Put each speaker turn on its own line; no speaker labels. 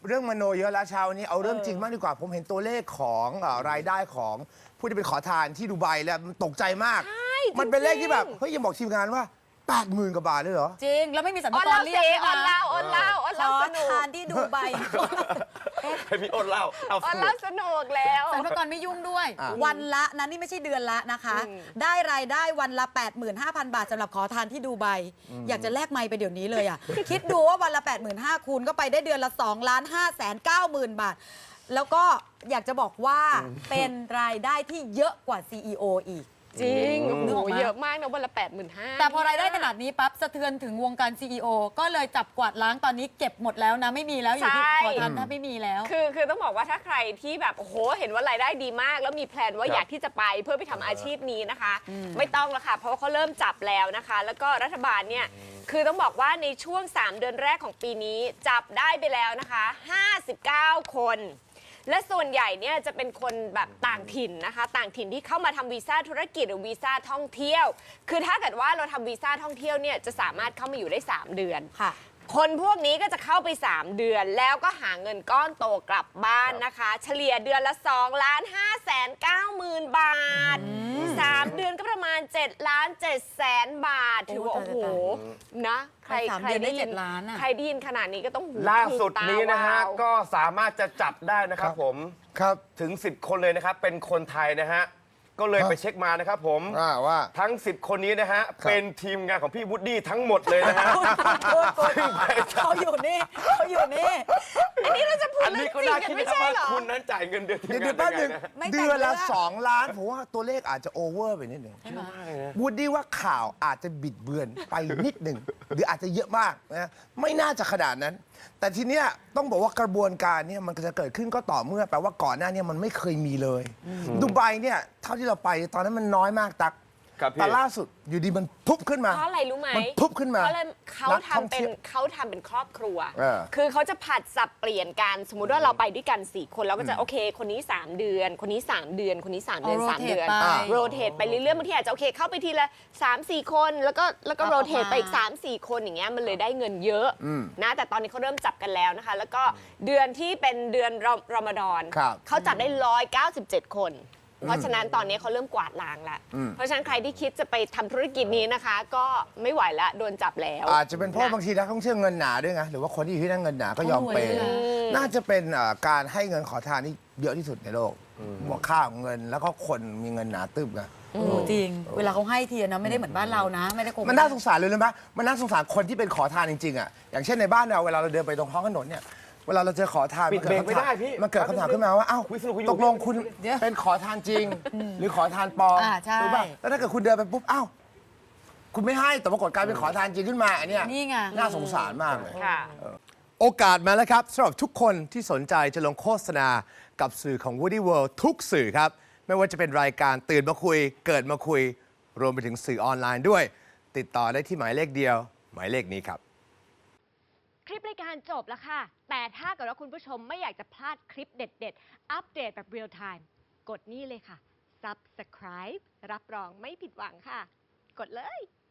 เรื่องมโนเยอะแล้วเช้านี้เอาเรื่องจริงมากดีกว่าผมเห็นตัวเลขของรายได้ของผู้ที่เป็นขอทานที่ดูไบแล้วมันตกใจมากมันเป็นเลขที่แบบเฮ้ยยังบอกทีมงานว่า 80,000 กว่าบาทเลยเหรอ
จริงแล้วไม่มีสรรพากรเรียก
ออนเล่า
ขอ
สนุก
ทานที่ดูไบ
ให้พี่อ้นเล่าเอา
ออนเล่าสนุกแล้ว
สรรพากรไม่ยุ่งด้วย วันละนะนี่ไม่ใช่เดือนละนะคะ ได้รายได้วันละ 85,000 บาทสำหรับขอทานที่ดูไบอยากจะแลกไมค์ไปเดี๋ยวนี้เลยอ่ะ คิดดูว่าวันละ 85,000 คูณก็ไปได้เดือนละ 2,590,000 บาท แล้วก็อยากจะบอกว่าเป็นรายได้ที่เยอะกว่า CEO อีก
จริง
นึกออก
โอ้
ไหม
เยอะมากนะวันละ 85,000
แต่พอรายได้ขนาดนี้ปั๊บสะเทือนถึงวงการ CEO ก็เลยจับกวาดล้างตอนนี้เก็บหมดแล้วนะไม่มีแล้วอยู่ที่ขอทานถ้าไม่มีแล้ว
คือต้องบอกว่าถ้าใครที่แบบโอ้โหเห็นว่ารายได้ดีมาก แล้วมีแพลนว่าอยากที่จะไปเพื่อไปทำอาชีพนี้นะคะ ไม่ต้องแล้วค่ะเพราะว่าเขาเริ่มจับแล้วนะคะ แล้วก็รัฐบาลเนี่ยคือต้องบอกว่าในช่วง3 เดือนแรกของปีนี้จับได้ไปแล้วนะคะ59 คนและส่วนใหญ่เนี่ยจะเป็นคนแบบต่างถิ่นนะคะต่างถิ่นที่เข้ามาทำวีซ่าธุรกิจหรือวีซ่าท่องเที่ยวคือถ้าเกิดว่าเราทำวีซ่าท่องเที่ยวเนี่ยจะสามารถเข้ามาอยู่ได้3 เดือน
ค่ะ
คนพวกนี้ก็จะเข้าไป3 เดือนแล้วก็หาเงินก้อนโตกลับบ้านนะคะเฉลี่ยเดือนละ2,590,000 บาท3 เดือนก็ประมาณ7,700,000 บาทถือว่าโอ้โหนะใคร
ได้7 ล้านอ่ะ
ใครได้ยินขนาดนี้ก็ต้องหู
ล่าสุดนี้นะฮะ
ตาวาว
ก็สามารถจะจับได้นะครับผม
ครับ
ถึง 10 คนเลยนะครับเป็นคนไทยนะฮะก็เลยไปเช็คมานะครับผม
ว่า
ทั้ง 10 คนนี้นะฮะเป็นทีมงานของพี่วูดดี้ทั้งหมดเลยนะฮะ
เขาอยู่นี่เขาอยู่นี่
อันนี้เราจะพูด
อันนี้ก็น่าคิดนะครับว่าคุณนั้นจ่ายเงินเดือนทีมงานได้ไงนะ
เดือนละ2 ล้านผมว่าตัวเลขอาจจะโอเวอร์ไปนิดหนึ่งวูดดี้ว่าข่าวอาจจะบิดเบือนไปนิดหนึ่งหรืออาจจะเยอะมากนะไม่น่าจะขนาดนั้นแต่ทีเนี้ยต้องบอกว่ากระบวนการเนี่ยมันจะเกิดขึ้นก็ต่อเมื่อแปลว่าก่อนหน้านี้มันไม่เคยมีเลยดูไบเนี่ยเท่าที่เราไปตอนนั้นมันน้อยมากตักแต่ล่าสุดอยู่ดีมันพุบขึ้นมา
เพราะอะไรรู้ไหม
มันพุบขึ้นมา
เขาทำเป็นครอบครัวคือเขาจะผัดสับเปลี่ยนกันสมมุติว่าเราไปด้วยกัน4 คนเราก็จะโอเคคนนี้3 เดือนคนนี้3 เดือนคนนี้3 เดือน3 เดือนโรเตทไปเรื่อยๆบางทีอาจจะโอเคเข้าไปทีละ3-4 คนแล้วก็โรเตทไปอีก3-4 คนอย่างเงี้ยมันเลยได้เงินเยอะนะแต่ตอนนี้เขาเริ่มจับกันแล้วนะคะแล้วก็เดือนที่เป็นเดือนรอมฎอนเขาจับได้197 คนเพราะฉะนั้นตอนนี้เขาเริ่มกวาดล้างแล้วเพราะฉะนั้นใครที่คิดจะไปทำธุรกิจนี้นะคะ ก็ไม่ไหวแล้วโดนจับแล้ว
อาจจะเป็นเพราะบางทีนักท่องเที่ยวเงินหนาด้วยไงหรือว่าคนที่อยู่ที่นั่นเงินหนาก็ยอมเปย์น่าจะเป็นการให้เงินขอทานที่เยอะที่สุดในโลกค่าของเงินแล้วก็คนมีเงินหนาตึบไง
จริงเวลาเขาให้ทีนะไม่ได้เหมือนบ้านเรานะไม่ได้โกง
มันน่าสงสารเลยนะมันน่าสงสารคนที่เป็นขอทานจริงๆอ่ะอย่างเช่นในบ้านเราเวลาเราเดินไปตรงท้องถนนเนี่ยเวลาเราเจอขอทาน
ปิดเบรกไม่ได้พี่
มันเกิดคำถามขึ้นมาว่าอ้าวตกลงคุณเป็นขอทานจริงหรือขอทานปลอมถูกป่ะแล้วถ้าเกิดคุณเดินไปปุ๊บอ้าวคุณไม่ให้แต่ปรากฏกลายเป็นขอทานจริงขึ้นมาอันนี้น่าสงสารมากเลยโอกาสมาแล้วครับสำหรับทุกคนที่สนใจจะลงโฆษณากับสื่อของ Woody World ทุกสื่อครับไม่ว่าจะเป็นรายการตื่นมาคุยเกิดมาคุยรวมไปถึงสื่อออนไลน์ด้วยติดต่อได้ที่หมายเลขเดียวหมายเลขนี้ครับ
คลิปรายการจบแล้วค่ะแต่ถ้าเกิดว่าคุณผู้ชมไม่อยากจะพลาดคลิปเด็ดๆอัปเดตแบบเรียลไทม์กดนี่เลยค่ะ Subscribe รับรองไม่ผิดหวังค่ะกดเลย